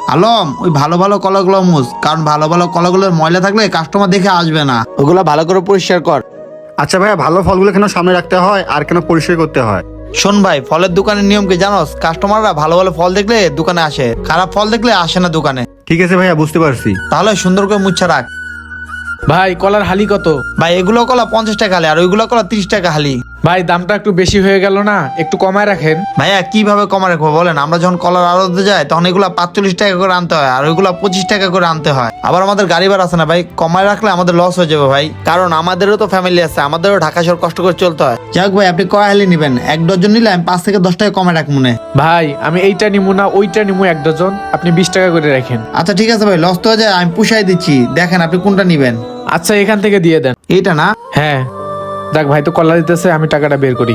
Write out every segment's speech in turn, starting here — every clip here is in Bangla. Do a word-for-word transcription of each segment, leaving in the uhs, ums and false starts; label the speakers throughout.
Speaker 1: আলম, ওই ভালো ভালো কলাগুলো মুছ, কারণ ভালো ভালো কলাগুলোর ময়লা থাকলে কাস্টমার দেখে আসবে না। ওগুলো ভালো করে পরিষ্কার কর।
Speaker 2: আচ্ছা ভাইয়া, ভালো ফলগুলো কেন সামনে রাখতে হয় আর কেন পরিষ্কার করতে হয়?
Speaker 1: শোন ভাই, ফলের দোকানের নিয়ম কি জানোস? কাস্টমাররা ভালো ভালো ফল দেখলে দোকানে আসে, খারাপ ফল দেখলে আসে না দোকানে।
Speaker 2: ঠিক আছে ভাইয়া, বুঝতে পারছি।
Speaker 1: তাহলে সুন্দর করে মুচ্ছা রাখ।
Speaker 3: ভাই কলার হালি কত?
Speaker 1: ভাই এগুলো কলা পঞ্চাশ টাকা হালি, আর ওইগুলো কলা তিরিশ টাকা হালি।
Speaker 3: ভাই দামটা একটু বেশি হয়ে গেল না? একটু কমায় রাখেন।
Speaker 1: ভাইয়া কিভাবে কমা রাখবো বলেন? আমরা যখন কলার আড়তে যাই তখন এগুলা পাঁচচল্লিশ টাকা করে আনতে হয়, আর ওইগুলা পঁচিশ টাকা করে আনতে হয়। আবার আমাদের গাড়ি ভাড়া আছে না ভাই, কমায় রাখলে আমাদের লস হয়ে যাবে ভাই, কারণ আমাদেরও তো ফ্যামিলি আছে, আমাদেরও ঢাকা শহর কষ্ট করে চলতে হয়। যাক ভাই, আপনি কয় হালি নিবেন? এক ডজন নিলে আমি পাঁচ থেকে দশ টাকা কমে রাখ মনে।
Speaker 3: ভাই আমি এইটা নিমু না ওইটা নিমু এক ডজন, আপনি বিশ টাকা করে রাখেন।
Speaker 1: আচ্ছা ঠিক আছে ভাই, লস তো হয়ে যায়, আমি পুষাই দিচ্ছি। দেখেন আপনি কোনটা নিবেন।
Speaker 3: আচ্ছা এখান থেকে দিয়ে দেন।
Speaker 1: এইটা না?
Speaker 3: হ্যাঁ দেখ ভাই তো কলা দিতেছে, আমি টাকাটা বের করি।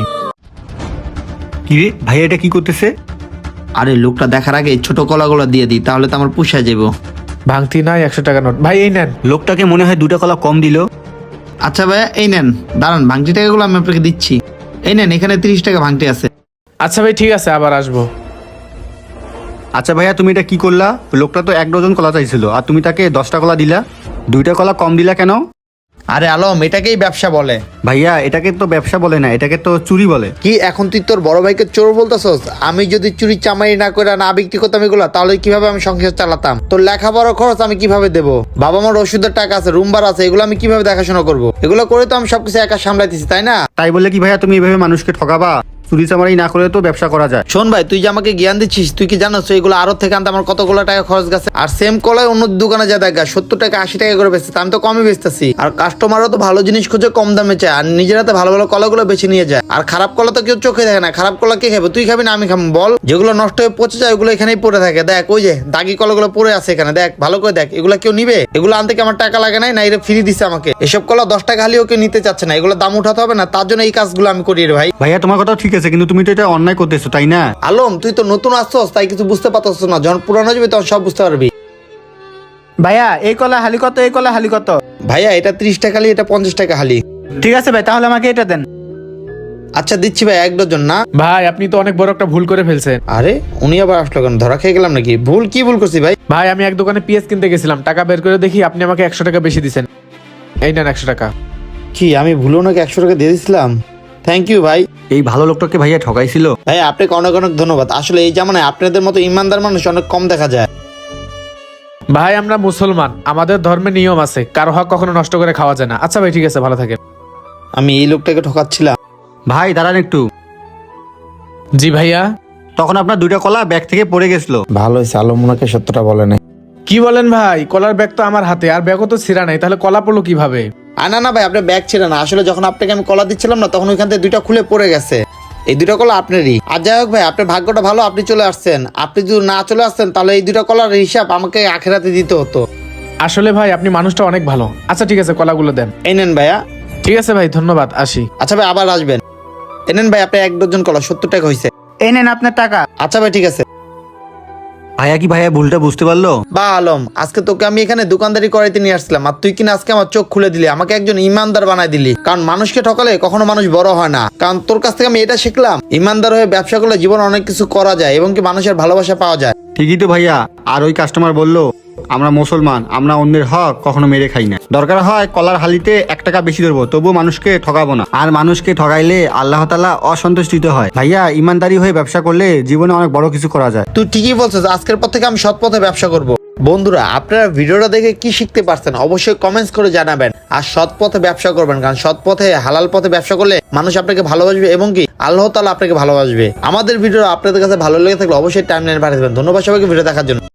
Speaker 2: কি রে ভাইয়া, এটা কি করতেছে?
Speaker 1: আরে লোকটা দেখার আগে ছোট কলাগুলো দিয়ে দিই, তাহলে তো আমার পুষায় যাবো।
Speaker 3: ভাঙতি নাই, একশো টাকা নোট। ভাই এই নেন।
Speaker 2: লোকটাকে মনে হয় দুটা কলা কম দিল।
Speaker 1: আচ্ছা ভাইয়া এই নেন, দাঁড়ান ভাঙটি টাকাগুলো আমি আপনাকে দিচ্ছি। এই নেন, এখানে তিরিশ টাকা ভাঙটি আছে।
Speaker 3: আচ্ছা ভাই ঠিক আছে, আবার আসবো।
Speaker 2: আচ্ছা ভাইয়া, তুমি এটা কি করলা? লোকটা তো এক ডজন কলা চাইছিল আর তুমি তাকে দশটা কলা দিলা, দুইটা কলা কম দিলা কেন?
Speaker 1: আরে আলম, এটাকেই ব্যবসা বলে।
Speaker 2: ভাইয়া এটাকে তো ব্যবসা বলে না, এটাকে তো চুরি বলে।
Speaker 1: কি এখন তুই তোর বড় ভাইকে চোর বলতেছস? আমি যদি চুরি চামারি না করে না বিক্রি করতাম এগুলা, তাহলে কিভাবে আমি সংসার চালাতাম? তোর লেখাপড়ার খরচ আমি কিভাবে দেবো? বাবা মার ওষুধের টাকা আছে, রুম ভাড়া আছে, এগুলো আমি কিভাবে দেখাশোনা করবো? এগুলো করে তো আমি সবকিছু একা সামলাইতেছি, তাই না?
Speaker 2: তাই বলে কি ভাইয়া তুমি এভাবে মানুষকে ঠকাবা? চুরি চামারি না করে তো ব্যবসা করা যায়।
Speaker 1: শোন ভাই, তুই যে আমাকে জ্ঞান দিচ্ছিস, তুই কি জানোস এগুলো আরো থেকে আনতে আমার কতগুলো টাকা খরচ গেছে? আর সেম কলায় অন্য দোকানে যা দেখা সত্তর টাকা আশি টাকা করে বেচতে, আমি তো কমই বেচতেছি। আর কাস্টমারও তো ভালো জিনিস খুঁজে কম দামে চায়, আর নিজের হাতে ভালো ভালো কলাগুলো বেছে নিয়ে যায়। আর খারাপ কলা তো কেউ চোখে দেখে না। খারাপ কলা কে খাবে? তুই খাবি না আমি খাবো বল? যেগুলো নষ্ট হয়ে পচে যায় ওগুলো এখানেই পড়ে থাকে। দেখ ওই যে দাগি কলাগুলো পড়ে আছে এখানে, দেখ ভালো করে দেখ। এগুলো কেউ নিবে? এগুলো আনতে কি আমার টাকা লাগে নাই? না এটা ফ্রি দিচ্ছে আমাকে? এসব কলা দশ টাকা হালিও কেউ নিতে চাচ্ছে না, এগুলো দাম উঠাতে হবে না? তার জন্য এই কাজগুলো আমি করি রে ভাই।
Speaker 2: ভাইয়া তোমার কথা ঠিক আছে, কিন্তু তুমি তো এটা অন্যায় করতেছো, তাই না?
Speaker 1: আলম, তুই তো নতুন আসছস, তাই কিছু বুঝতে পারছস না। যখন পুরানো যাবে তখন সব বুঝতে পারবি।
Speaker 4: ভাইয়া এই কলা হালি কত? এই কলা হালি কত?
Speaker 1: ভাইয়া এটা ত্রিশ টাকা হালি, এটা পঞ্চাশ টাকা হালি।
Speaker 4: ঠিক আছে ভাই, তাহলে আমাকে এটা দেন।
Speaker 1: আচ্ছা দিচ্ছি ভাই, এক ডজন না?
Speaker 3: ভাই আপনি তো অনেক বড় একটা ভুল করে ফেলছেন।
Speaker 1: আরে উনি আবার আসলো কেন? ধরা খেয়ে গেলাম নাকি? ভুল কি ভুল করছি ভাই?
Speaker 3: ভাই আমি এক দোকানে পেঁয়াজ কিনতে গেছিলাম, টাকা বের করে দেখি আপনি আমাকে একশো টাকা বেশি দিচ্ছেন। এই নেন একশো টাকা।
Speaker 1: কি আমি ভুলো নাকি একশো টাকা দিয়ে দিয়েছিলাম? থ্যাংক ইউ ভাই।
Speaker 2: এই ভালো লোকটাকে ভাইয়া ঠকাইছিল।
Speaker 1: ভাই আপনাকে অনেক অনেক ধন্যবাদ। আসলে এই জামানায় আপনাদের মতো ইমানদার মানুষ অনেক কম দেখা যায়।
Speaker 3: ভাই আমরা মুসলমান, আমাদের ধর্মে নিয়ম আছে, কারো হক কখনো নষ্ট করে খাওয়া যায় না। আচ্ছা ভাই ঠিক আছে, ভালো থাকেন।
Speaker 1: আমি এই লোকটাকে ঠকাচ্ছিলাম।
Speaker 2: ভাই দাঁড়ান একটু।
Speaker 3: জি ভাইয়া।
Speaker 2: তখন আপনার দুইটা কলা ব্যাগ থেকে পড়ে গেছিল।
Speaker 1: ভালো হয়েছে আলম ওনাকে সত্যটা বলে নাই।
Speaker 3: কি বলেন ভাই? কলার ব্যাগ তো আমার হাতে, আর ব্যাগও তো ছিঁড়া নাই, তাহলে কলা পড়লো কিভাবে?
Speaker 1: আর না না ভাই, আপনার ব্যাগ ছিল না। আসলে যখন আপনাকে আমি কলা দিচ্ছিলাম না, তখন ওইখান থেকে দুইটা খুলে পড়ে গেছে। এই দুইটা কলা আপনারই। আর যাই হোক ভাই, আপনার ভাগ্যটা ভালো, আপনি চলে আসছেন। আপনি যদি না চলে আসতেন তাহলে এই দুইটা কলার হিসাব আমাকে আখেরাতে দিতে হতো।
Speaker 3: আসলে ভাই আপনি মানুষটা অনেক ভালো। আচ্ছা ঠিক আছে, কলাগুলো দেন।
Speaker 1: এই নেন ভাইয়া।
Speaker 3: ঠিক আছে ভাই, ধন্যবাদ, আসি।
Speaker 1: আচ্ছা ভাই আবার আসবেন। এই নেন ভাই, আপনার এক ডজন কলা সত্তর টাকা হয়েছে।
Speaker 4: এই নেন আপনার টাকা।
Speaker 1: আচ্ছা ভাই ঠিক আছে।
Speaker 2: ভাইয়া কি ভাইয়া ভুলটা বুঝতে পারলো?
Speaker 1: বা আলম, আজকে তোকে আমি এখানে দোকানদারি করাইতে নিয়ে আসছিলাম, আর তুই কিনা আজকে আমার চোখ খুলে দিলি, আমাকে একজন ইমানদার বানাই দিলি। কারণ মানুষকে ঠকালে কখনো মানুষ বড় হয় না। কারণ তোর কাছ থেকে আমি এটা শিখলাম, ইমানদার হয়ে ব্যবসা করলে জীবনে অনেক কিছু করা যায় এবং কি মানুষের ভালোবাসা পাওয়া যায়।
Speaker 2: ঠিকই তো ভাইয়া। আর ওই কাস্টমার বললো আমরা মুসলমান, আমরা অন্যের হক কখনো মেরে খাই না। দরকার হয় কলার হালিতে এক টাকা বেশি ধরবো, তবুও মানুষকে ঠকাবো না। আর মানুষকে ঠকাইলে আল্লাহ তাআলা অসন্তুষ্টিত হয়। ভাইয়া ইমানদারি হয়ে ব্যবসা করলে জীবনে অনেক বড় কিছু করা যায়।
Speaker 1: তুই ঠিকই বলছিস, আজকের পর থেকে আমি সৎ পথে ব্যবসা করব। বন্ধুরা আপনারা ভিডিওটা দেখে কি শিখতে পারছেন অবশ্যই কমেন্টস করে জানাবেন। আর সৎ পথে ব্যবসা করবেন, কারণ সৎ পথে হালাল পথে ব্যবসা করলে মানুষ আপনাকে ভালোবাসবে এবং কি আল্লাহ তাআলা আপনাকে ভালোবাসবে। আমাদের ভিডিও আপনাদের কাছে ভালো লেগে থাকলে অবশ্যই টাইমলাইনে পাঠিয়ে দেবেন। ধন্যবাদ সবাইকে ভিডিও দেখার জন্য।